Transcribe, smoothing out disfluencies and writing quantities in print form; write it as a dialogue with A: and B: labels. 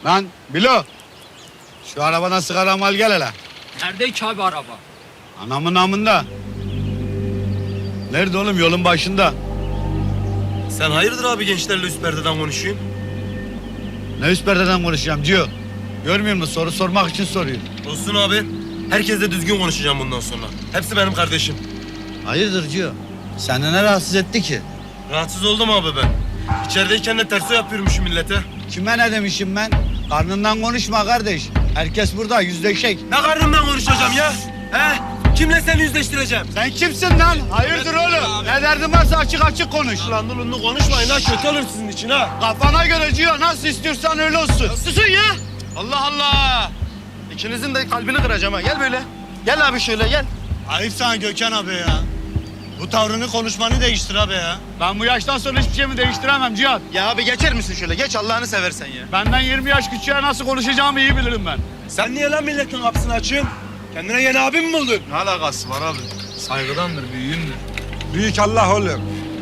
A: Lan Bilo. Şu arabadan sigara al gel hele.
B: Nerede ki abi araba?
A: Anamın namında. Nerede oğlum? Yolun başında.
C: Sen hayırdır abi gençlerle üst perdeden konuşuyorsun?
A: Ne üst perdeden konuşacağım Cio? Görmüyor musun? Soru sormak için soruyor.
C: Olsun abi. Herkesle düzgün konuşacağım bundan sonra. Hepsi benim kardeşim.
A: Hayırdır Cio? Seni ne rahatsız etti ki?
C: Rahatsız oldum abi ben. İçerideyken de terso yapıyormuşum millete.
A: Kime ne demişim ben? Karnından konuşma kardeş. Herkes burada yüzleşek.
C: Ne karnımdan konuşacağım ya? He? Kimle seni yüzleştireceğim?
A: Sen kimsin lan? Hayırdır oğlum? Ne derdin varsa açık açık konuş.
C: Lan dulunlu konuşmayın ha. Kötü olur sizin için ha.
A: Kafana göre Cio. Nasıl istiyorsan öyle olsun.
C: Susun ya. Allah Allah. İkinizin de kalbini kıracağım ha. Gel böyle. Gel abi şöyle gel.
D: Ayıp sana Gökhan abi ya. Bu tavrını konuşmanı değiştir abi ya.
A: Ben bu yaştan sonra hiçbir şeyimi değiştiremem Cihat.
C: Ya abi geçer misin şöyle? Geç Allah'ını seversen ya.
A: Benden 20 yaş küçüğe nasıl konuşacağımı iyi bilirim ben.
C: Sen niye lan milletin kapısını açıyorsun? Kendine yeni abim mi buldun? Ne alakası var abi?
D: Saygıdandır, büyüğündür. Büyük Allah oğlum.